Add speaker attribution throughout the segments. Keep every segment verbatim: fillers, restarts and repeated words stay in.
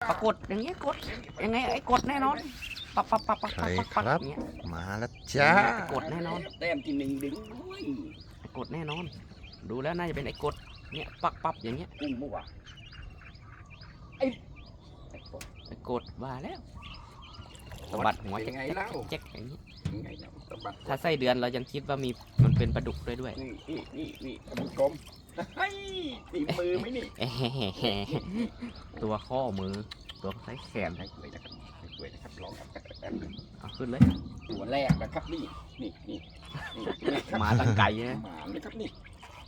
Speaker 1: ปรากฏอย่างเงี้ยกดยังไงไอ้กดแน่นอนปับปับปับปับ
Speaker 2: ใช่
Speaker 1: ปับ
Speaker 2: ค
Speaker 1: ปับ
Speaker 2: รับ
Speaker 1: อย่างเงี้ย
Speaker 2: มาแล้วจ้า
Speaker 1: ไอ้กดแน่นอน
Speaker 3: แต้มที่หนึ่งดึงด้วย
Speaker 1: ไอ้กดแน่นอน ดูแล้วน่าจะเป็นไอ้กดเนี่ยปักปับอย่างเงี้ย
Speaker 3: กุ้งเมื่อวานไอ้ไอ้กด
Speaker 1: ไอ้กดว่าแล้วสะบัดหัว
Speaker 3: เป็น
Speaker 1: แจ๊ก
Speaker 3: ไง
Speaker 1: แจ๊ก
Speaker 3: เล่า
Speaker 1: แจ๊กอย่างนี้
Speaker 3: ยังไงเล่าสะบัด
Speaker 1: ถ้าไส้เดือนเรายังคิดว่ามีมันเป็นปลาดุกด้วยด้วย
Speaker 3: นี่นี่นี่นี่ท่านผู้ชมเฮ้ยตีมือไหมนี่
Speaker 1: เอ้แห่ตัวข้อมือตัวไส้แขน
Speaker 3: ใช้ด้วยนะครับใช้ด้วยนะครับลองครับแป๊บนึง
Speaker 1: เอาขึ้นเลย
Speaker 3: ตัวแรกนะครับนี่นี่นี่นี่นี่ครับ
Speaker 1: มาตั้งไกลนะ
Speaker 3: หมาเลยครับนี่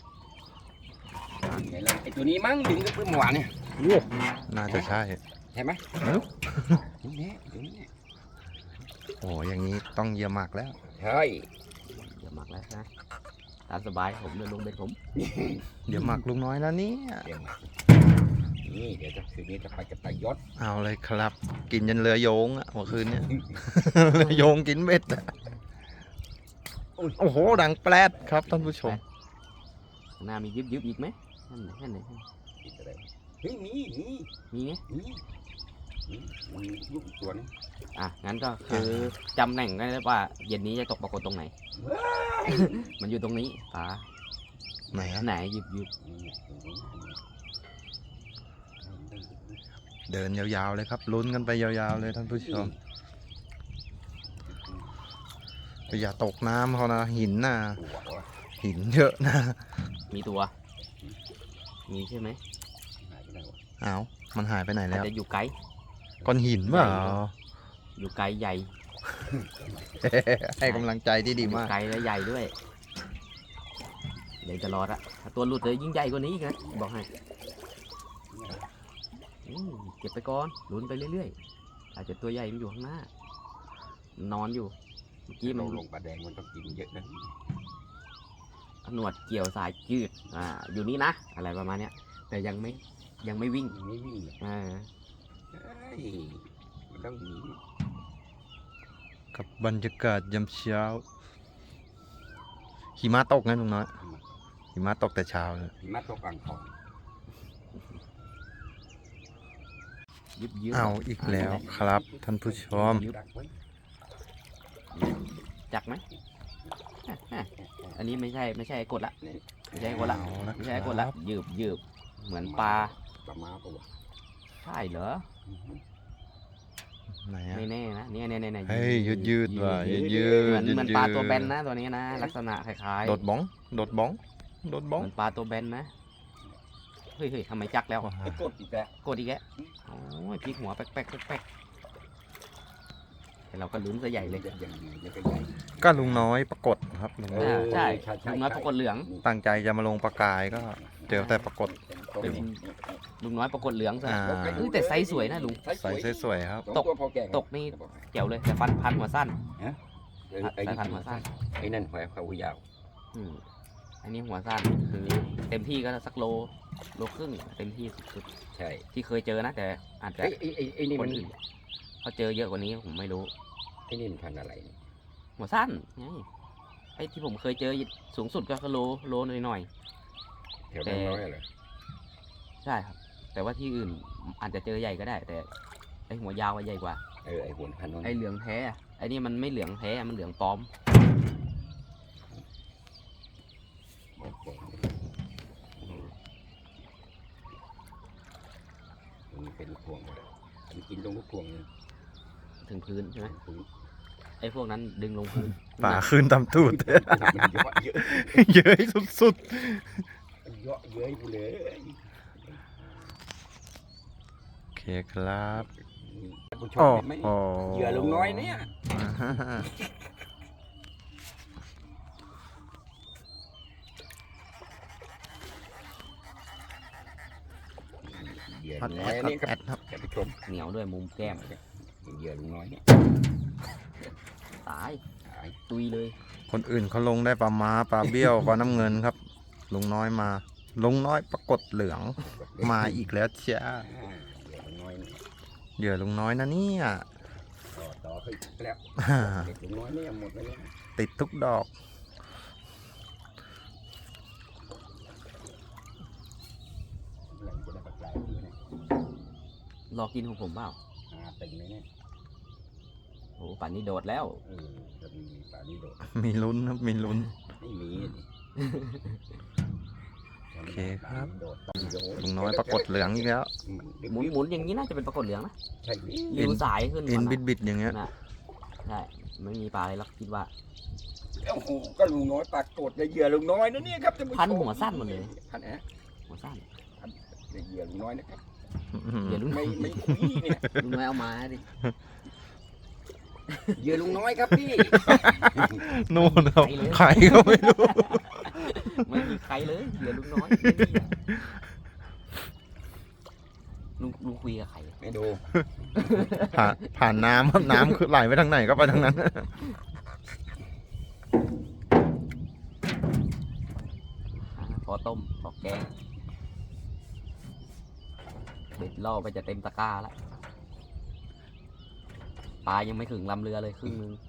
Speaker 3: ไงล่ะไอ้ตัวนี้มั้งดึงก็เพิ่งเมื่อวานเนี่ย
Speaker 2: น่าจะใช่
Speaker 3: ใช่ไหม
Speaker 2: เอ้า
Speaker 3: นี่แน่ตัวนี้แน่
Speaker 2: โอ้อย่างนี้ต้องเยี่ยมมากแล้ว
Speaker 3: ใช่
Speaker 1: อย่าหมักแล้วนะตามสบายผมเดินลงเป็นผม
Speaker 2: เดี๋ยวหมักลุงน้อยแล้วเนี่ย
Speaker 3: เดี๋ยวมานี่เดี๋ยวจะคืนนี้จะไปจะไปยศ
Speaker 2: เอาเลยครับ กินยันเรือโยงอะเมื่อคืนเนี่ย เรือโยงกินเม็ดอะโอ้โหดังแปลดครับท่านผู้ชม
Speaker 1: ข้างหน้ามียึบยึบอีกไหมนั่นไหนนั่นไหน
Speaker 3: นี่จะได้เฮ้ยมีมี
Speaker 1: มีไง
Speaker 3: มีมีมีลูกอีกตัวนึง
Speaker 1: อ่ะงั้นก็คือจำแหน่งได้แล้วว่าเย็นนี้จะตกปรากฏตรงไหน มันอยู่ตรงนี้ป๋า
Speaker 2: ไหนอะ
Speaker 1: ไหนยึบยึบ
Speaker 3: นี่ตรงนี้
Speaker 2: เดินยาวๆเลยครับลุ้นกันไปยาวๆเลยท่านผู้ชมอย่าตกน้ำเขานะหินน่ะ
Speaker 3: ตัววะ
Speaker 2: หินเยอะนะ
Speaker 1: มีตัว มีใช่ไหม
Speaker 3: หายไปไหนวะ
Speaker 2: เอามันหายไปไหน
Speaker 1: อาจ
Speaker 2: แล้ว
Speaker 1: จะอยู่ไกล
Speaker 2: ก้อนหินเปล่า
Speaker 1: อยู่ไกลใหญ่
Speaker 2: ให้กำลังใจที่ดี
Speaker 1: อยู่
Speaker 2: มาก
Speaker 1: ไกลและใหญ่ด้วยเดี๋ยวจะรอดอะถ้าตัวหลุดเลยยิ่งใหญ่กว่านี้อีกนะบอกให้อืมเก็บไปก่อนลุ้นไปเรื่อยๆอาจจะตัวใหญ่มันอยู่ข้างหน้านอนอยู่เมื่อกี้มั
Speaker 3: เรา
Speaker 1: น
Speaker 3: ลงปลาแดงมันต้องกินเยอะนะ
Speaker 1: หนวดเกี่ยวสายจืดอ่าอยู่นี่นะอะไรประมาณเนี้ยแต่ยังไม่ยังไม่วิ่ง
Speaker 3: ไม่วิ่งเลย
Speaker 1: อ่า
Speaker 3: เฮ้ยมันต้องหนี
Speaker 2: กับบรรยากาศยามเช้าหิมะตกนะลุงน้อยหิมะตกแต่เช้าเลย
Speaker 3: หิมะตกอ่างทอง
Speaker 1: ยึบยึบ
Speaker 2: เอาอีกแล้วครับท่านผู้ชม
Speaker 3: ดักไว้
Speaker 1: จักไหมอ่ะอ่ะอันนี้ไม่ใช่ไม่ใช่ไอ้กดละไม่ใช่ไอ้กดละ
Speaker 2: เอาละ
Speaker 1: ไม่ใช่ไอ้กด
Speaker 2: ค
Speaker 1: ละ
Speaker 2: รับ
Speaker 1: ยืบยืบเหมือนปลา
Speaker 3: ปลามาปะวะ
Speaker 1: ใช่เหรอ
Speaker 2: ไหนอะ
Speaker 1: ไม่แน่นะเนี่ยเนี่ยเนี่ย
Speaker 2: เฮ้ยยืดยืดว่ะยืดยื
Speaker 1: เหมื
Speaker 2: ด
Speaker 1: อน
Speaker 2: ยืด
Speaker 1: เหมือน
Speaker 2: ยื
Speaker 1: ปลา
Speaker 2: ด
Speaker 1: ตัวแบนนะตัวนี้นะลักษณะคล้ายๆ
Speaker 2: โดดบ้องโดดบ้องโดดบ้อง
Speaker 1: เหมือนปลาตัวแบนนะเฮ้ยเฮ้ยทำไมจักแล้ว
Speaker 3: ไอ้กดอีกแล้ว
Speaker 1: กดอีกแล้วโอ้ยพลิกหัวแป๊กแป๊กแป๊กแป๊กแต่เราก็ลุ้นซะใหญ่เลย
Speaker 3: อย่างใหญ่ยังก็ใหญ่
Speaker 2: ก็ลุงน้อยปรากฏครับลุงน้อย
Speaker 1: อ่าใช่
Speaker 3: ใช่ใช่
Speaker 1: ลุงน้อยปรากฏเหลือง
Speaker 2: ตั้งใจจะมาลงปลากายก็เจอแต่ปรากฏ
Speaker 1: เป็น ลุงน้อยปรากฏเหลืองซะ
Speaker 2: อ่า
Speaker 1: เฮ้ยแต่ไซส์สวยนะลุง
Speaker 2: ใส่สวยๆครับ
Speaker 1: ตก ตกนี่เกี่ยวเลยแต่ฟันพันหัวสั้น
Speaker 3: ไอ้ไอ้
Speaker 1: สายพันธุ์หัวสั้น
Speaker 3: ไอ้นั่นหัวเขายาว
Speaker 1: อืมอันนี้หัวสั้นคือเต็มที่ก็สักโลโลครึ่งเต็มที่สุด
Speaker 3: ใช่
Speaker 1: ๆที่เคยเจอนะแต่อาจจะ
Speaker 3: ไอ้ไอ้ไอ้ไอ้นี่
Speaker 1: ค
Speaker 3: มัน น
Speaker 1: อื่นเขาเจอเยอะกว่านี้ผมไม่รู้
Speaker 3: ไอ้นี่มันพันธุ์อะไรเนี่ย
Speaker 1: หัวสั้นไงไอ้ที่ผมเคยเจอสูงสุดก็โลโลหน่อย
Speaker 3: แถวนั้นน้อยเหรอ
Speaker 1: ๆใช่ครับ แต่ว่าที่อื่นอาจจะเจอใหญ่ก็ได้ แต่ไอ้หัวยาวอะใหญ่กว่า
Speaker 3: เออไอ้หัวพันธุ์นั้น
Speaker 1: ไอ้เหลืองแท้อะไอ้นี่มันไม่เหลืองแท้มันเหลืองปลอม
Speaker 3: โอเคมันเป็นลูกพวงเลยมันกินตรงลูกพวงเลย
Speaker 1: ถึงพื้นใช่ไหม
Speaker 3: คือ
Speaker 1: ไอ้พวกนั้นดึงลงพื้น
Speaker 2: ป่าขึ้นตำตูด
Speaker 3: มันเยอะเยอะ
Speaker 2: เย้ยสุด
Speaker 3: มันเยอะเย้ยกูเลย
Speaker 2: ๆโอเคครับ
Speaker 3: ผู้ช
Speaker 2: โอ้
Speaker 3: มเห็นไหม
Speaker 2: โห
Speaker 3: เหยื่อลุงน้อยเนี่ยเหยื่อ
Speaker 2: อัด
Speaker 3: ลุง
Speaker 2: แอ
Speaker 3: น้อย
Speaker 2: ด
Speaker 3: นี่ค
Speaker 2: แอ
Speaker 3: รับ
Speaker 2: ดครับ
Speaker 3: ท่านผู้ชม
Speaker 1: เหนียวด้วยมุมแก้ม
Speaker 3: เหยื่อลุงน้อยเนี่ย
Speaker 1: ตาย
Speaker 3: หาย
Speaker 1: ตุยเลย
Speaker 2: คนอื่นเขาลงได้ปลาม้าปลาเบี้ยวปลาน้ำเงินครับ ลุงน้อยมา ลุงน้อยปรากฏเหลืองมาอีกแล้วจ้า
Speaker 3: อ่าเหยื่อลุงน้อยเนี่ย
Speaker 2: เหยื่อลุงน้อยนะเนี่ย
Speaker 3: ต่อต่อขึ้นแล้วเด็กลุงน้อยเนี่ยหมดไปแล้ว
Speaker 2: ติดทุกดอก
Speaker 3: หลังจะได้ปลาไหลอยู่เนี่ย
Speaker 1: รอกินของผมเปล่า
Speaker 3: หาติ่งเลยเนี่ย
Speaker 1: โอ้ป่านนี้โดดแล้ว
Speaker 3: เออจะมีป่านี้โดด
Speaker 2: มีลุ้นครับมีลุ้น
Speaker 3: ไม่มีดิ
Speaker 2: โอเคครับ
Speaker 3: โดดต้องโยน
Speaker 2: ลุงน้อยปรากฏเหลืองอีกแล้ว
Speaker 1: หมุนหมุนอย่างนี้น่าจะเป็นปรากฏเหลืองนะ
Speaker 3: ใช่ดิ
Speaker 1: ริวสายขึ้น
Speaker 2: อิน
Speaker 1: ก่
Speaker 2: บิ
Speaker 1: นะ
Speaker 2: ดบิดๆอย่างเงี้ย
Speaker 1: น่ะใช่ไม่มีปลาอะไรหรอกคิดว่า
Speaker 3: โอ้โหก็ลุงน้อยปรากฏในเหยื่อลุงน้อยนะเนี่ยครับท่านผู้ชม
Speaker 1: พันหัวสั้นหมดเลย
Speaker 3: พันแอะ
Speaker 1: หัวสั้น
Speaker 3: ในเหยื่อลุงน้อยนะครับ
Speaker 1: เหยื่อลุง
Speaker 3: ไม่ไม่คุยเนี่ย
Speaker 1: ลุงน้อยเอามาดิ
Speaker 3: เหยื่อลุงน้อยครับพี่
Speaker 2: นู่นครับใครก็ไม่รู้
Speaker 1: ไม่มีใครเลยเหยื่อลุงน้อยไม่มีอะลุงลุงคุยกับใคร
Speaker 3: ไม่ดู
Speaker 2: ผ่านผ่านน้ำครับน้ำคือไหลไปทางไหนก็ไปทางนั้น
Speaker 1: อ่าพอต้มพอแกงเบ็ดล่อไปจะเต็มตะกร้าแล้วปลายังไม่ถึงลำเรือเลยครึ่งนึง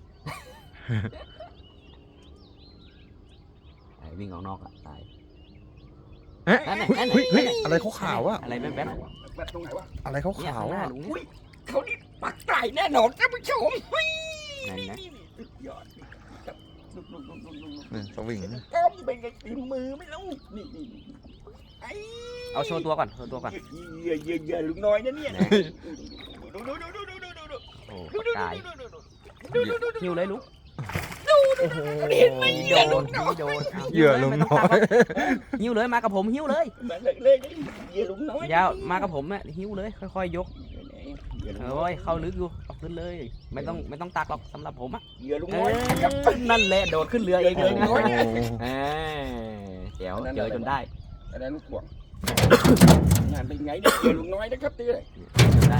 Speaker 1: ไอ้วิ่งออกนอกอะตาย
Speaker 2: เอ๊ะ
Speaker 1: นั่นน่ะนั่นน่ะ
Speaker 2: เฮ้ยเฮ้ย
Speaker 1: นั่นน่ะ
Speaker 2: อะไรขาวๆอะ
Speaker 1: อะไรแป๊บ
Speaker 3: แบบตรงไหนวะ
Speaker 2: อะไรเขา
Speaker 1: ๆเนี่ย
Speaker 2: ขาว
Speaker 1: ข้างหน้า
Speaker 2: อ่ะ
Speaker 1: ลุง
Speaker 3: อุ้
Speaker 1: เนี่ย
Speaker 3: ยเขานี่ปักไก่แน่นอนท่านผู้ชมเฮ้ย
Speaker 1: นั่นนะ
Speaker 3: สุดยอดครับลุกลุกลุกลุกลุกลุก
Speaker 2: นี่สวิง
Speaker 3: ก้มเป็นไงตีมือไม่รู้นี่นี่นี่ไอ้
Speaker 1: เอาโชว์ตัวก่อนโชว์ตัวก่อน
Speaker 3: เหยื่อเหยื่อเหยื่อลุงน้อยนะเนี่ย
Speaker 1: นะ
Speaker 3: ดูดูดูดูดูดูดูดู
Speaker 1: โอ้
Speaker 3: ดู
Speaker 1: ปากกาย
Speaker 3: ดูดูดู
Speaker 1: หิวเลยลุง
Speaker 2: โอ้โห
Speaker 3: เห็นไหม
Speaker 1: โด
Speaker 3: เหยื่อน ลุงน้อย
Speaker 1: โดน
Speaker 2: เหยื่อลุงน้อย
Speaker 1: หิวเลยมากับผมหิวเลย
Speaker 3: มาเลยเลยเหยื่อลุงน้อย
Speaker 1: ยาวมากับผมเนี่ยหิวเลยค่อยๆยก
Speaker 3: เหยื่อลุงน้
Speaker 1: โอ้ยเข้าลึกอยู่เอาขึ้นเลย ไม่ต้องไม่ต้องตักหรอกสำหรับผมอ่ะ
Speaker 3: เหยื่อลุง
Speaker 1: เอ
Speaker 3: น้อย
Speaker 1: อนั่นแหละโดดขึ้นเรือเองเลยนะ
Speaker 2: โอ้โห
Speaker 1: เออเดี๋ยวเจอจนได้
Speaker 3: อันนั้นลูกห่วงงานเป็นไงเนี่ยเหยื่อลุงน้อยนะครับตีเลย
Speaker 1: จนได้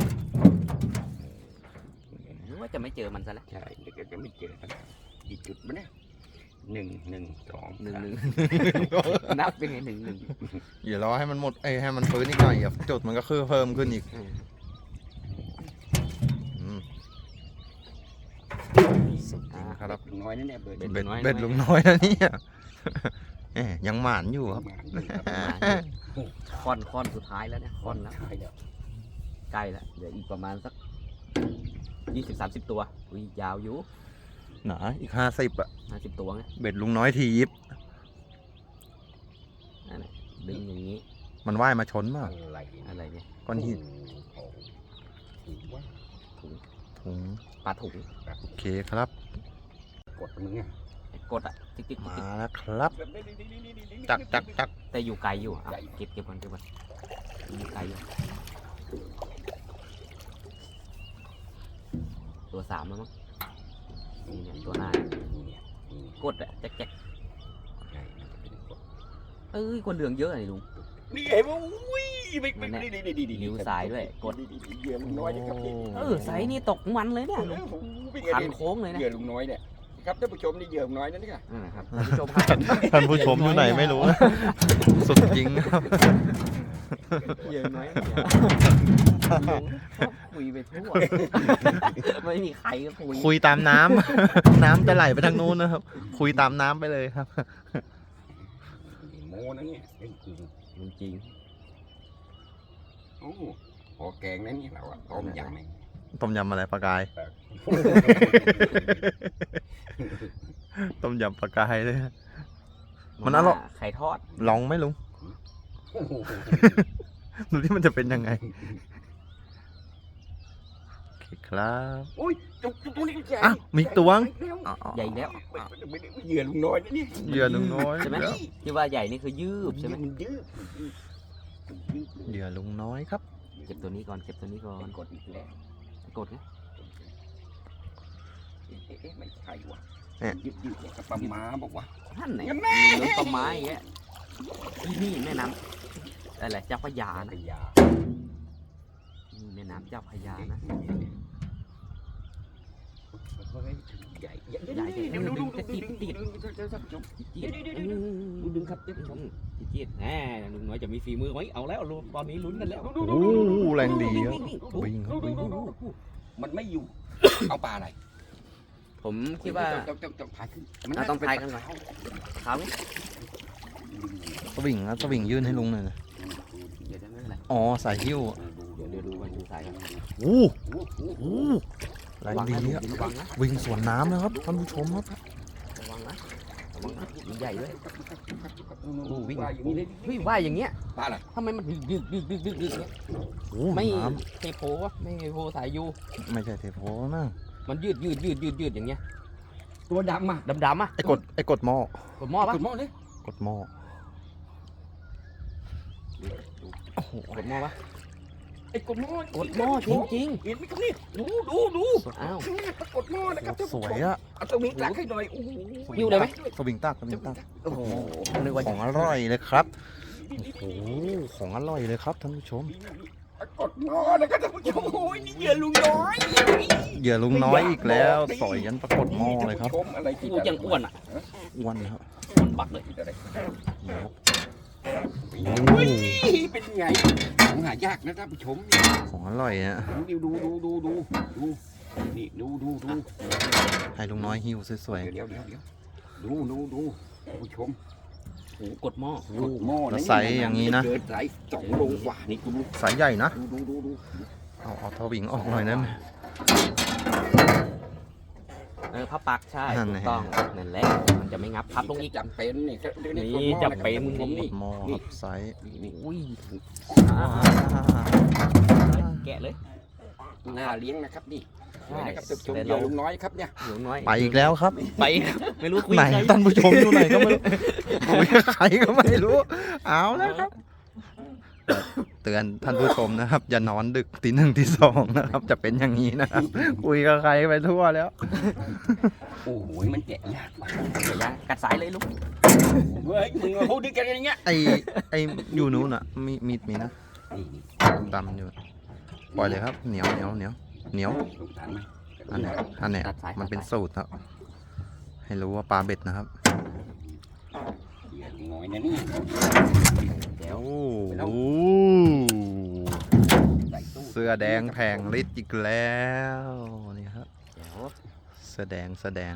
Speaker 1: นึกว่าจะไม่เจอมันซะแล้ว
Speaker 3: ใช่เดี๋ยวจะไม่เจอกันกี่จุดมั้ยเนี่ยหนึ่งหนึ่งสอง
Speaker 1: หนึ่งหนึ่งนับเป็นไงหนึ่งหนึ่ง
Speaker 2: อย่ารอให้มันหมดเอ้ยให้มันฟื้นอีกหน่อยอ่ะจุดมันก็คือเพิ่มขึ้นอีก
Speaker 1: เออ
Speaker 2: อืมสุดจริงครับ
Speaker 3: ลุงน้อยนั่นเนี่ยเบิร์ด
Speaker 2: เบ็ดเบ็ดลุงน้อยนะเนี่ยเอ๊ยยังหมานอยู่ครับ
Speaker 1: ค่อนค่อนสุดท้ายแล้วเนี่ยค่อนแล้ว
Speaker 3: ใช่แล้ว
Speaker 1: ใกล้แล้วเดี๋ยวอีกประมาณสักยี่สิบสามสิบตัวอุ้ยยาวอยู่
Speaker 2: หนาอีกห้าสิบอ่ะ
Speaker 1: ห้าสิบตัวไง
Speaker 2: เบ็ดลุงน้อยทียิบ
Speaker 1: นั่นแหละดึงอย่างนี้
Speaker 3: อ
Speaker 2: มันว่ายมาชนมา
Speaker 3: ะไร
Speaker 1: อะไรเนี่ย
Speaker 2: ก้อนหิน
Speaker 3: โอ้โหถือว่า
Speaker 1: ถุง
Speaker 2: ถุง
Speaker 1: ปลาถุง
Speaker 2: โอเคครับ
Speaker 3: กดมึงอ่ะ
Speaker 1: ไอ้กดอ่ะติ๊กติ๊กติ๊ก
Speaker 2: มา
Speaker 1: ติ๊ก
Speaker 2: แล้วครับจักจักจัก
Speaker 1: แต่อยู่ไกลอยู่อ่ะเก็บเก็บมันเก็บมันอยู่ไกลอยู่ตัวสามแล้วมั้งนี่เนี่ยตัวหน้า
Speaker 3: นี่เนี่ยนี่
Speaker 1: กดอ่ะแจ๊กแจ๊ก
Speaker 3: ใช่มันจะเป็นกด
Speaker 1: เอ้ยคนเหลืองเยอะเลยลุง
Speaker 3: นี่เห็นว่าอุ้ยไม่ไม่ไม่ดีดีดีดี
Speaker 1: นิ้วซ้ายด้วยกด
Speaker 3: ดีดีดีเหยื่อลุงน้อยนะครับนี่
Speaker 1: เออไซส์นี่ตกมันเลยเนี่ยลุง
Speaker 3: โอ้โหเป็นไง
Speaker 1: คัน
Speaker 3: เนี่ย
Speaker 1: โค้งเลยนะ
Speaker 3: เหยื่อลุงน้อยเนี่ยครับท่านผู้ชมนี่เหยื่อลุงน้อยนั่นนี่ค่ะ
Speaker 1: นั่นแหละครับท่านผู้ชมครับ
Speaker 2: ท่านผู้ชมอยู่ไหนไม่รู้นะสุดจริงครับ
Speaker 1: เยอะน้อยเนี่ยคุยไปทั่วไม่มีใครก็คุย
Speaker 2: คุยตามน้ำ น้ำจะไหลไปทางนู้นนะครับ คุยตามน้ำไปเลยครับ
Speaker 3: โมนะเนี่ยเรื่องจริง
Speaker 1: จริง
Speaker 3: โอ้พอแกงนั้นนี่เราอะต้มยำเอง
Speaker 2: ต้มยำอะไรปลากาย ต้มยำปลากายเลย
Speaker 1: ๆ
Speaker 2: มันอร่อย
Speaker 1: ไข่ทอด
Speaker 2: ลองไหมลุง ดูที่มันจะเป็นยังไงโอเคครับ
Speaker 3: อุ้ยจุกจุกตัวนี้ใหญ่
Speaker 2: อ่ะมีอีกตัวงอ๋อ
Speaker 1: ใหญ่แล้ว
Speaker 3: ไม่ได้เหยื่อลุงน้อยนะเนี่ย
Speaker 2: เหยื่อลุงน้อย
Speaker 1: ใช่ไหมที่ว่าใหญ่นี่คือยืบใช่ไหม
Speaker 3: มันยืดยืด
Speaker 2: เหยื่อลุงน้อยครับ
Speaker 1: เก็บตัวนี้ก่อนเก็บตัวนี้ก่อน
Speaker 3: กดอีกแล้ว
Speaker 1: กดนะ
Speaker 3: เอ๊ะไม่ใช่ว่ะยืดยืดกับปลาม้าบอกว่า
Speaker 1: ท่านไหน
Speaker 3: ยังแม่
Speaker 1: มีรถต้นไม้อย่างเงี้ยที่นี่แม่น้ำอะไรเจ้าพระยานะ
Speaker 3: ยา
Speaker 1: นี่แม่น้ำเจ้าพระยานะ
Speaker 3: ใหญ่ใหญ่ดูดูดูติดติดท่านผู้ชม
Speaker 1: จี๊ดดูดึงครับท่านผู้ชมจี๊ดแหมลุงน้อยจะมีฝีมือไหมเอาแล้วลุงตอนนี้ลุ้นกันแล้ว
Speaker 2: โอ้โหแรงดีครับวิ่งครับวิ่ง
Speaker 3: มันไม่อยู่ เอาปลาอะไร
Speaker 1: ผมคิดว่า
Speaker 3: ต้องต้องต้องพายขึ้น
Speaker 1: เราต้องพายกันก่อน เขาเนี่ย
Speaker 2: สวิงนะสวิงยื่นให้ลุงหน่อยนะ
Speaker 1: เดี๋ยวจะไม่เป็นไร
Speaker 2: อ๋อสายหิ้ว
Speaker 3: ดู
Speaker 1: เดี๋ยวเดี๋ยวดูวันดูสายครับ
Speaker 2: โอ้
Speaker 3: โอ้โห
Speaker 2: โหแรง
Speaker 1: ระวัง
Speaker 2: ดี
Speaker 1: นะ
Speaker 2: อะ
Speaker 1: ระวังนะ
Speaker 2: วิ่งสวนน้ำนะครับท่านผู้ชมครับ
Speaker 1: ระวังนะระวังนะมีใหญ่ด้วย
Speaker 3: โอ้วิ่งอย่างนี้เลย
Speaker 1: เฮ้ยว่ายอย่างเงี้ย
Speaker 3: ปลาอะไร
Speaker 1: ทำไมมันดึกดึกดึกดึกดึกดึกเนี่ย
Speaker 2: โอ้
Speaker 1: ไม่
Speaker 2: น้
Speaker 1: เทโพวะไม่เทโพสายยู
Speaker 2: ำไม่ใช่เทโพนะ
Speaker 1: มันยืดยืดยืดยืดยืดอย่างเงี้ย
Speaker 3: ตัวดำอ่ะ
Speaker 1: ดำดำๆอ่ะ
Speaker 2: ไอ้กดไอ้กดหม้อก
Speaker 1: ดหม้อปะ
Speaker 3: กดหม้อเลย
Speaker 2: กดหม้อโอ้โห
Speaker 1: กดหม้อปะ
Speaker 3: ไอ้กดหม้อก
Speaker 1: ดหม้อจริงจริง
Speaker 3: เห็นไหมครับนี่ดูดูดู
Speaker 1: ๆอ้าว
Speaker 3: ข้างหน้าปรากฏหม้อนะครับท่าน
Speaker 2: ส
Speaker 3: ผู้ช
Speaker 2: ว
Speaker 3: ม
Speaker 2: ยอะ
Speaker 3: เอาสวิงตักให้หน่อยโอ้โห
Speaker 1: หิ้วเลยไหม
Speaker 2: สวิงตักสวิงตัก
Speaker 3: โอ้โห
Speaker 1: นึกว่า
Speaker 2: ของอร่อยเลยครับโอ้โหของอร่อยเลยครับท่านผู้ชม
Speaker 3: ปรากฏหม้อนะครับท่านผู้ชมโอ้ยนี่เหยื่อลุงน้อย
Speaker 2: เหยื่อลุงน้อยอีกแล้วสอยยันปรากฏหม้อเลยครับ
Speaker 3: ท่านผู้ชมอะไรที่
Speaker 1: กูยังอ้วนอ่ะ
Speaker 2: อ้วนครับ
Speaker 1: อ้วนบักเลย
Speaker 3: ที่อะไร
Speaker 2: เหนียว
Speaker 3: โอ้ยเป็นไงของหายากนะท่านผู้ชมนี่
Speaker 2: ของอร่อยอะ
Speaker 3: ดูดูดูดูดูดูนี่ดูดูดู
Speaker 2: ให้ลุงน้อยหิ้วสวย
Speaker 3: เดี๋ยวเดี๋ยวเดี๋ยวดูดูดูท่านผู้ชม
Speaker 1: โอ้โหกดหม้อ
Speaker 3: กดหม้อ
Speaker 2: ๆแล้วใสอย่างนี้นะ
Speaker 3: เกินใสสองโลกว่านี่กูดู
Speaker 2: สายใหญ่นะ
Speaker 3: ดูดูดูดู
Speaker 2: เอาเอาทวิงออกหน่อยได้ไหม
Speaker 1: เออพับปักใช่
Speaker 2: นั่น
Speaker 1: ถู
Speaker 2: แหละ
Speaker 1: กต้องนั่นแหละมันจะไม่งับพับลงอีก
Speaker 3: จำเป็นนี่ก็เดี๋ยว
Speaker 1: นี่
Speaker 3: กดหม้อ
Speaker 1: จำเป็น
Speaker 3: ะครับ
Speaker 2: ก
Speaker 3: นี่
Speaker 2: ดหม้อครับไซส์
Speaker 3: นี่นี่
Speaker 1: อุ้ย
Speaker 2: อ่า
Speaker 1: แกะเลย
Speaker 3: น่าเลี้ยงนะครับนี่
Speaker 1: ใช่
Speaker 3: นะครับท่านผู้ชม
Speaker 1: แต่
Speaker 3: เหยื่
Speaker 1: เรา
Speaker 3: อลุงน้อยครับเนี่ย
Speaker 1: เหลืองน้อย
Speaker 2: ไปอีกแล้วครับ
Speaker 1: ไปครับไม่รู้คุย
Speaker 2: ไหน
Speaker 1: ใคร
Speaker 2: ท่านผู้ชมอยู่ไหนก็ไม่รู้คุยกับใครก็ไม่รู้ เอาแล้วครับ เตือนท่านผู้ชมนะครับ อย่านอนดึกตีหนึ่งตีสองนะครับ จะเป็นอย่างนี้นะครับ คุยกับใครไปทั่วแล้ว
Speaker 3: โอ้โหมันแกะยากว่ะ
Speaker 1: เดี๋ยวนะกัดสายเลยลูก
Speaker 3: เฮ้ยมึงมาพูดด้วยกันอย่างเงี้ย
Speaker 2: ไอไออยู่นู้นอ่ะ มีมีดมีนะ
Speaker 3: นี่นี่
Speaker 2: ดำอยู่ปล่อยเลยครับเหนียวเหนียวเหนียวเหนียว
Speaker 3: สงสารไหม
Speaker 2: อันเนี้ยอันเนี้ย
Speaker 1: ตัดสาย
Speaker 2: มันเป็น
Speaker 1: ตัดสาย
Speaker 2: สูตรครับ ให้รู้ว่าปลาเบ็ดนะครับ
Speaker 3: เหยื่อลุงน้อยนะนี่
Speaker 1: เดี๋ยว
Speaker 2: โอ้โห
Speaker 3: ใส่ตู้
Speaker 2: เสื้อแดงแผงฤทธิ์อีกแล้วนี่ครับ
Speaker 1: เดี๋ยว
Speaker 2: เสื้อแดงเสื้อแดง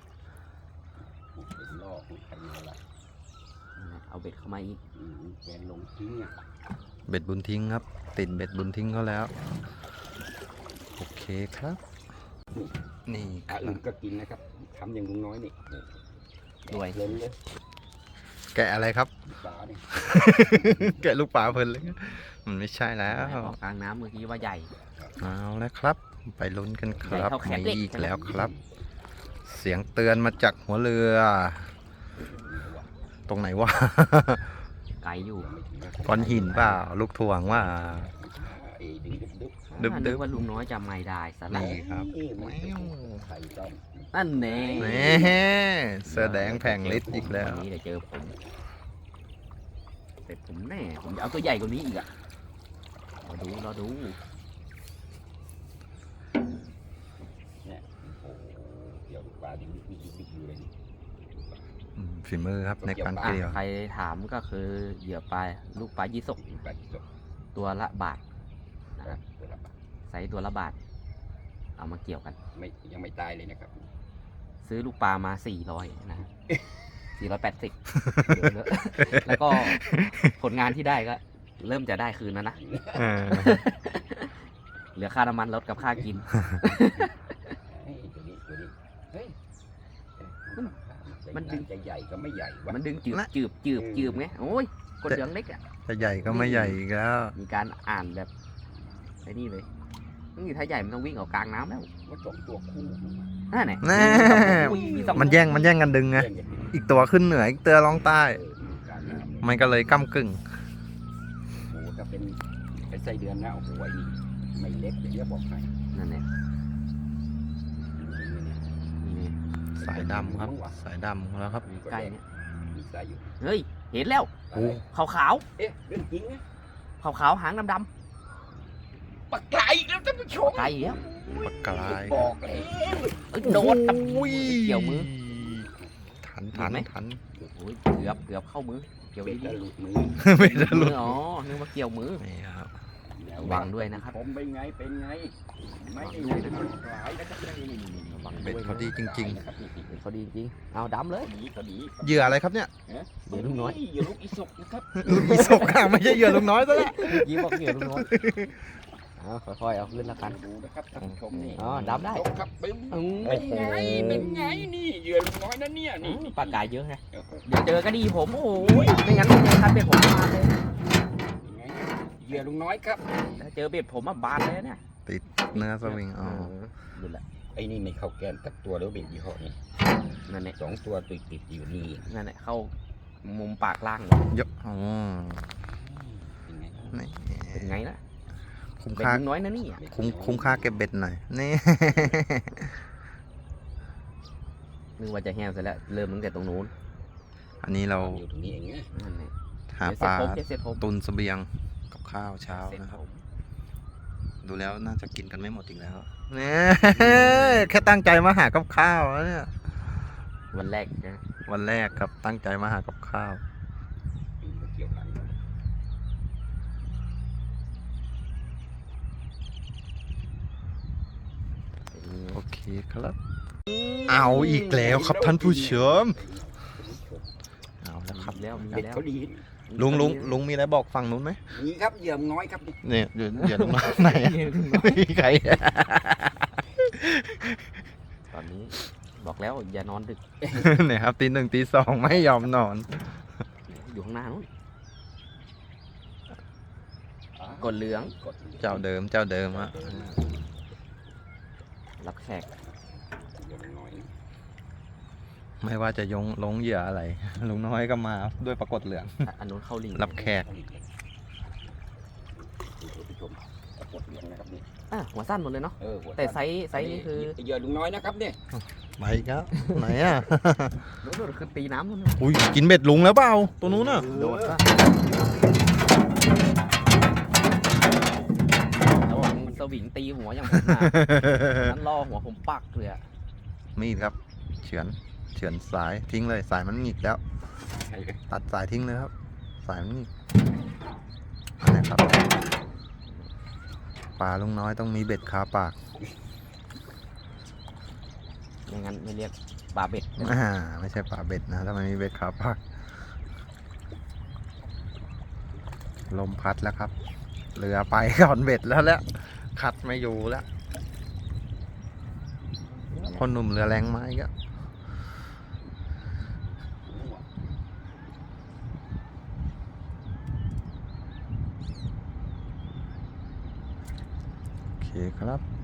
Speaker 3: เป็นลอกใครเอาละ
Speaker 1: เอาเบ็ดเข้ามาอีก
Speaker 3: อืมแกนลงทิ้งอ่ะ
Speaker 2: เบ็ดบุญทิ้งครับ ติดเบ็ดบุญทิ้งเขาแล้ว โอเคครับ นี่ค
Speaker 3: อ่ะ
Speaker 2: รั
Speaker 3: อื่
Speaker 2: บ
Speaker 3: นก็กินนะครับทำอย่างลุงน้อยนี่
Speaker 1: ด้วย
Speaker 3: เล่นเลย
Speaker 2: แกะอะไรครับ
Speaker 3: ปลาเนี่ย
Speaker 2: แกะลูกปลาเพลินเลย มันไม่ใช่แล้ว
Speaker 1: ออกกลางน้ำเมื่อกี้ว่าใหญ่
Speaker 2: เอาแล้วครับ ไปลุ้นกันครับ
Speaker 1: ใหญ่เท่าแขนเด็ก
Speaker 2: มีอีกแล้วครับ เสียงเตือนมาจากหัวเรือ ตรงไหนวะ
Speaker 1: ไกลอยู่
Speaker 2: ก้อนหินเปล่า ลูกถ่วงว่า
Speaker 3: ไอ้ดึงดึบดึบ
Speaker 2: ดึบ
Speaker 1: อ่า
Speaker 2: ดึ
Speaker 1: นึ
Speaker 2: บ
Speaker 1: กว่าลุงน้อยจะไม่ได้สละ
Speaker 2: นี่ครับ
Speaker 3: นี่มันไข่ต้ม
Speaker 1: นั่นแน่
Speaker 2: แหม่เสื้อแดงแผงฤทธิ์อีกแล้ว
Speaker 1: วันนี้เดี๋ยวเจอผมเป็ดผมแน่ผมจะเอาตัวใหญ่กว่านี้อีกอ่ะรอดูรอดู
Speaker 3: โอ้โหเดี๋ยวปลาดิบดิบดิบดิบอยู่เลยนี่
Speaker 2: อืมฝีมือครับในการ
Speaker 1: อ่ะ
Speaker 2: เกลี่ยว
Speaker 1: ใครถามก็คือเหยื่อปลาลูกปลายี่สก
Speaker 3: ปลาดิบสด
Speaker 1: ตัวละบาทนะครับ
Speaker 3: ตัวละบาท
Speaker 1: ไซส์ตัวละบาท เอามาเกี่ยวกัน
Speaker 3: ไม่ยังไม่ตายเลยนะครับ
Speaker 1: ซื้อลูกปลามาสี่ร้อยนะฮะสี่ร้อยแปดสิบแล้วก็ผลงานที่ได้ก็ เริ่มจะได้คืนแล้วนะ
Speaker 2: เออ
Speaker 1: เหลือค่าน้ำมันรถกับค่ากิน
Speaker 3: เฮ้ยตัวนี้ตัวนี้เฮ้ย
Speaker 1: มันดึง
Speaker 3: จะใหญ่ก็ไม่ใหญ่วะ
Speaker 1: มันดึงจืบจืบจืบจืบไงโอ้ยกดเหลืองเล็กอ่ะ
Speaker 2: จะใหญ่ก็ไม่ใหญ่อีกแล้ว
Speaker 1: มีการอ่านแบบไอ้นี่เลยนี่ถ้าใหญ่มันต้องวิ่งออกกลางน้ำแล้ว
Speaker 3: ว่าสองตัวคู่
Speaker 1: นั่นแหละ
Speaker 2: แน่
Speaker 1: มีสอง
Speaker 2: มันแย่งมันแย่งกันดึงไง
Speaker 3: เล่นกันอยู่
Speaker 2: อีกตัวขึ้นเหนืออีกตัวลองใต้
Speaker 3: เออการน้ำ
Speaker 2: มันก็เลยก้ากึ่ง
Speaker 3: โอ้โหถ้าเป็นเป็นไส้เดือนนะโอ้โหไอ้นี่ไม่เล็กเดี๋ยวจะบอกให้
Speaker 1: นั่นแหละนี่
Speaker 2: สายดำครับ สายดำแล้วครับ
Speaker 3: มี
Speaker 1: ใกล้เนี่ย
Speaker 3: มีสายอยู่
Speaker 1: เฮ้ยเห็นแล้ว
Speaker 2: โอ้
Speaker 1: ขาวขาว
Speaker 3: เอ๊ะเรื่องจริงนะ
Speaker 1: ขาวขาวๆหางดำด
Speaker 3: ปากไก่อีกแล้วท่านผู้ชม
Speaker 1: ำไกลอีกแล้ว
Speaker 2: ปากกลาย
Speaker 3: บอกเลย
Speaker 1: เอ้ยโดดกับ
Speaker 2: อุ้ย
Speaker 1: เกี่ยวมือ
Speaker 2: ทันทัน
Speaker 1: เห็นไหม
Speaker 2: ทัน
Speaker 1: โอ้ยเกือบเกือบเข้ามือเกี่ยว
Speaker 3: เป็
Speaker 1: ดี
Speaker 3: นหลุดมือ
Speaker 2: ไม่
Speaker 1: ๆ
Speaker 2: ได้หลุด
Speaker 1: อ๋อนึกว่าเกี่ยวมือ
Speaker 2: นี่ครับ
Speaker 1: ระวังด้วยนะครับ
Speaker 3: ผมเป็นไงเป็นไงไม่ได้
Speaker 1: ระวังด้วยนะครับ
Speaker 3: หลายนะครับนี่นี่นี่นี่
Speaker 1: ระวัง
Speaker 2: เบ็ด
Speaker 1: ด้วย
Speaker 2: เขาดีจริง
Speaker 3: นะครับนี่นี่
Speaker 1: เบ็ดเขาดีจริงเอาดำเลย
Speaker 3: ดีเขาดี
Speaker 2: ๆ เหยื่ออะไรครับเนี่ย
Speaker 1: เหยื่อลูกน้อย
Speaker 3: เหยื่อลูกอีสกนะครับ
Speaker 2: ลูกอีสกอ่ะไม่ใช่เหยื่อลุงน้อยซะแล้ว
Speaker 1: ยิ้มบอกเหยื่อลูกน้อยเอาค่อยๆเอาขึ้นแล้วกัน
Speaker 3: ดูนะครับท่านผู้ชมนี่
Speaker 1: อ๋อดับได้
Speaker 3: ยกครับเป็น
Speaker 1: อืม
Speaker 3: เป็นไงเป็นไงนี่เหยื่อลุงน้อยนะเนี่ยนี่
Speaker 1: ปลากายเยอะไง
Speaker 3: โอ้โห
Speaker 1: เดี๋ยวเจอก็ดีผมโอ้ยไม่งั้นไม่เจอคันเบ็ดผมบานเลย
Speaker 3: เป็นไงเหยื่อลุงน้อยครับ
Speaker 1: ถ้าเจอเบ็ดผมอะบานเลยเนี่ย
Speaker 2: ติดเนื้อสวิงอ๋อ
Speaker 1: ดูแหละ
Speaker 3: ไอ้นี่ไม่เข้าแกนตักตัวแล้วเบ็ดยี่ห้อนี้
Speaker 1: นั่นแหละ
Speaker 3: สองตัวติดติดๆอยู่นี่
Speaker 1: นั่นแหละเข้ามุมปากล่างเลย
Speaker 2: เยอะอ๋อ
Speaker 3: เป็นไง
Speaker 2: นี่
Speaker 1: เป็นไงล่ะ
Speaker 2: คุ้ม
Speaker 1: เป็น
Speaker 2: ค่า
Speaker 1: ลุงน้อยนะนี่
Speaker 2: คุ้มคุ้มค่าเก็บเบ็ดหน่อยนี่
Speaker 1: นึกว่าจะแห้งเสร็จแล้วเริ่มตั้งแต่ตรงนู้น
Speaker 2: อันนี้เรา
Speaker 3: อยู่ตรงนี้เองนะ
Speaker 1: นั่นแหละ
Speaker 2: หาปลา
Speaker 1: เดี๋ยวเสร็จผม
Speaker 2: ตุนเสบียงกับข้าวเช้า
Speaker 1: เสร็จ
Speaker 2: นะครับ
Speaker 1: ผม
Speaker 2: ดูแล้วน่าจะกินกันไม่หมดอีกแล้วเนี่ย แค่ตั้งใจมาหากับข้าวแล้วเนี่ย
Speaker 1: วันแรกนะ
Speaker 2: วันแรกครับตั้งใจมาหากับข้าว
Speaker 3: เกี่ยวหลัง
Speaker 2: โอเคครับ เอาอีกแล้วครับท่านผู้ชมเอาแล้วครับ
Speaker 1: แล้วมี
Speaker 3: เด็ก
Speaker 1: แล้ว
Speaker 3: เขาดี
Speaker 2: ลุงลุงลุงมีอะไรบอกฝั่งนู้นไหม
Speaker 3: นี่ครับเหยื่อลุงน้อยครับนี่
Speaker 2: เนี่ยเดี๋ยวเดี๋ยวลุงมาไหนอะไม่มีใคร
Speaker 1: ตอนนี้บอกแล้วอย่านอนดึก
Speaker 2: เนี่ยครับตีหนึ่งตีสองไม่ยอมนอน
Speaker 1: อยู่ข้างหน้านู้น กดเหลือง
Speaker 3: กดหลือง
Speaker 2: เจ้าเดิมเจ้าเดิมอะ
Speaker 1: รับแขก
Speaker 3: เหยื่อลุงน้อย
Speaker 2: ไม่ว่าจะยงลงเหยื่ออะไร ลุงน้อยก็มาด้วยปรากฏเหลือง
Speaker 1: อ่ะอันนู้นเข้าลิง
Speaker 2: รับแขก
Speaker 3: ดูท่านผู้ชมกดเหลืองนะครับนี่
Speaker 1: อ่ะหัวสั้นหมดเลยเนาะ
Speaker 3: เออหัว
Speaker 1: แต่ไซส์ไซส์นี้คือ
Speaker 3: เหยื่อลุงน้อยนะครับเนี่ย
Speaker 2: ไปครับไหนอ่ะ
Speaker 1: รู้สึกคือตีน้ำนู่น
Speaker 2: อุ้ยกินเบ็ดลุงแล้วเปล่าตัวนู้นอ่ะ
Speaker 1: โดดก็ระวังสวิงตีหัวอย่างผมนะนั้นล่อหัวผมปักเลยอะ
Speaker 2: มีดครับ เฉือนเฉือนสายทิ้งเลยสายมันหงิกแล้ว
Speaker 3: ใช่ครับ
Speaker 2: ตัดสายทิ้งเลยครับ สายมันหงิกอันนี้ครับปลาลุงน้อยต้องมีเบ็ดคาปาก
Speaker 1: ไม่งั้นไม่เรียกปลาเบ็ด
Speaker 2: อ่าไม่ใช่ปลาเบ็ดนะถ้ามันมีเบ็ดคาปากลมพัดแล้วครับเรือไปก่อนเบ็ดแล้วแหละคัดไม่อยู่แล้วคนหนุ่มเรือแรงไม้ก็โอเคครับ